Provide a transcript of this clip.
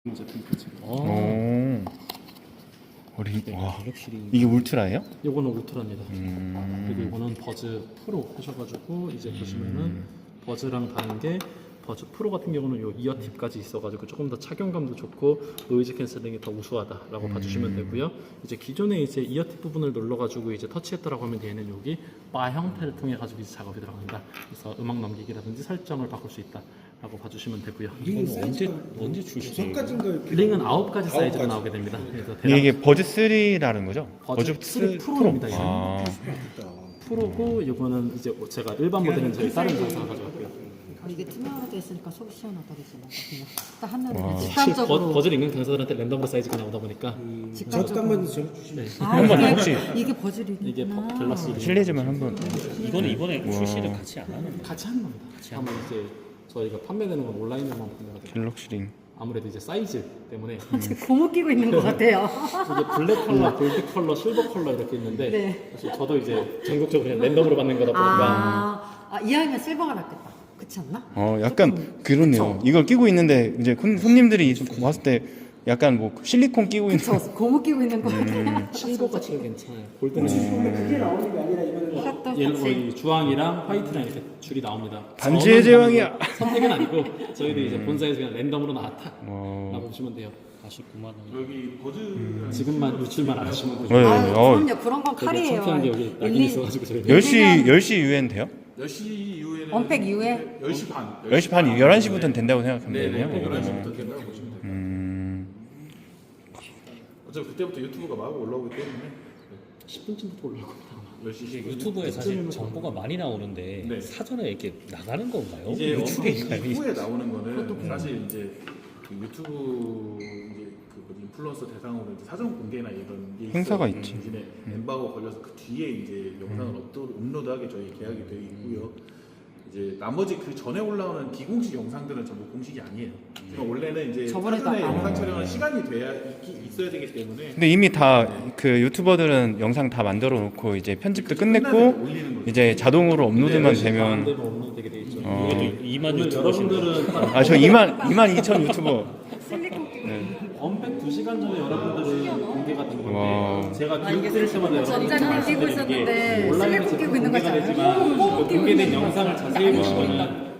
제품 지금. 오. 우리 네, 와. 갤럭시 이게 울트라예요? 요거는 울트라입니다. 그리고 이거는 버즈 프로 하셔가지고 이제 보시면은 버즈랑 다른 게 버즈 프로 같은 경우는 요 이어 팁까지 있어가지고 조금 더 착용감도 좋고 노이즈 캔슬링이 더 우수하다라고 봐주시면 되고요. 이제 기존에 이제 이어 팁 부분을 눌러가지고 이제 터치했다라고 하면 얘는 여기 바 형태를 통해 가지고 이제 작업이 들어간다. 그래서 음악 넘기기라든지 설정을 바꿀 수 있다라고 봐주시면 되고요. 이거는 언제 출시돼요? 6가지인가 이렇게 링은 9가지 사이즈로 9가지. 나오게 됩니다. 그래서 이게 버즈 3라는 거죠? 버즈 3 프로입니다. 얘는. 아. 프로고 이거는 이제 제가 일반 모델은 저희 다른 회사 가져왔고요. 이게 투명하게 있으니까 속이 시원하다 그러잖아. 그냥 딱 한눈에 와. 사실 직관적으로. 버즈를 읽는 강사들한테 랜덤으로 사이즈가 나오다 보니까 잠깐만 저 주시면 네. 한번 혹시 이게 버즐이 이게 갤럭시 실례지만 한번 이거는 이번에 출시를 같이 안 하는 거예요? 같이 하는 겁니다. 한번 이제 저희가 판매되는 건 온라인으로만 판매하거든요. 갤럭시링. 아무래도 이제 사이즈 때문에 지금 고무 끼고 있는 것 같아요. 이게 블랙 컬러, 골드 컬러, 실버 컬러 이렇게 있는데 네. 사실 저도 이제 전국적으로 그냥 랜덤으로 받는 거다 보니까 이왕이면 실버가 낫겠다. 그렇지 않나? 약간 그렇네요. 이걸 끼고 있는데 이제 손님들이 봤을 때 약간 뭐 실리콘 끼고 있는. 저 고무 끼고 있는 것 같아요. 실버가 지금 괜찮아요. 골드는 그게 나오는 게 아니라 이거는 이것도 옐로 같이. 이 주황이랑 화이트랑 이렇게 줄이 나옵니다. 반지의 제왕이야. 선택은 아니고 저희도 이제 본사에서 그냥 랜덤으로 나왔다라고 와. 보시면 돼요. 49만 원. 여기 버즈 지금만 유출만 안 하시면 되죠. 네. 아, 어. 그럼요. 그런 건 되게 칼이에요. 창피한 게 여기 낙인 일일이 있어가지고 저희 10시 유엔 돼요? 10시 이후에는 언팩 이후에 10시 반 10시 반 11시부터는 된다고 생각하면 네, 되네요. 11시부터 된다고 보시면 돼요. 음. 어차피 그때부터 유튜브가 막 올라오기 때문에 10분쯤부터 올라올 겁니다. 10시 이게 유튜브에 사실 정보가 많이 나오는데 네. 사전에 이렇게 나가는 건가요? 이제 유튜브인가요? 언팩 이후에 나오는 거는 사실 이제 그 유튜브 이제 그 뭐지 인플루언서 대상으로 이제 사전 공개나 이런 게 행사가 있어요. 있지. 대신에 엠바고 걸려서 그 뒤에 이제 영상을 업로드하게 저희 계약이 되어 있고요. 이제 나머지 그 전에 올라오는 비공식 영상들은 전부 공식이 아니에요. 그러니까 원래는 이제 저번에도 사전에 안 영상 촬영은 시간이 돼야 있어야 되기 때문에 근데 이미 다 그 유튜버들은 영상 다 만들어 놓고 이제 편집도 끝냈고 올리는 거죠. 이제 자동으로 업로드만 안 되면 되면 없는 되게 돼 있죠. 이것도 2만 오늘 유튜버신데 여러분들은 저 2만 2천 유튜버. 언팩 2시간 전에 여러분들은 공개가 된 건데 와. 제가 교육 드릴 때마다 여러분들 전자님 끼고 있었는데 온라인에서 슬리콘 끼고 있는 공개가 거잖아요. 되지만 꼭 그 끼고 공개된 있는 영상을 자세히 보시면은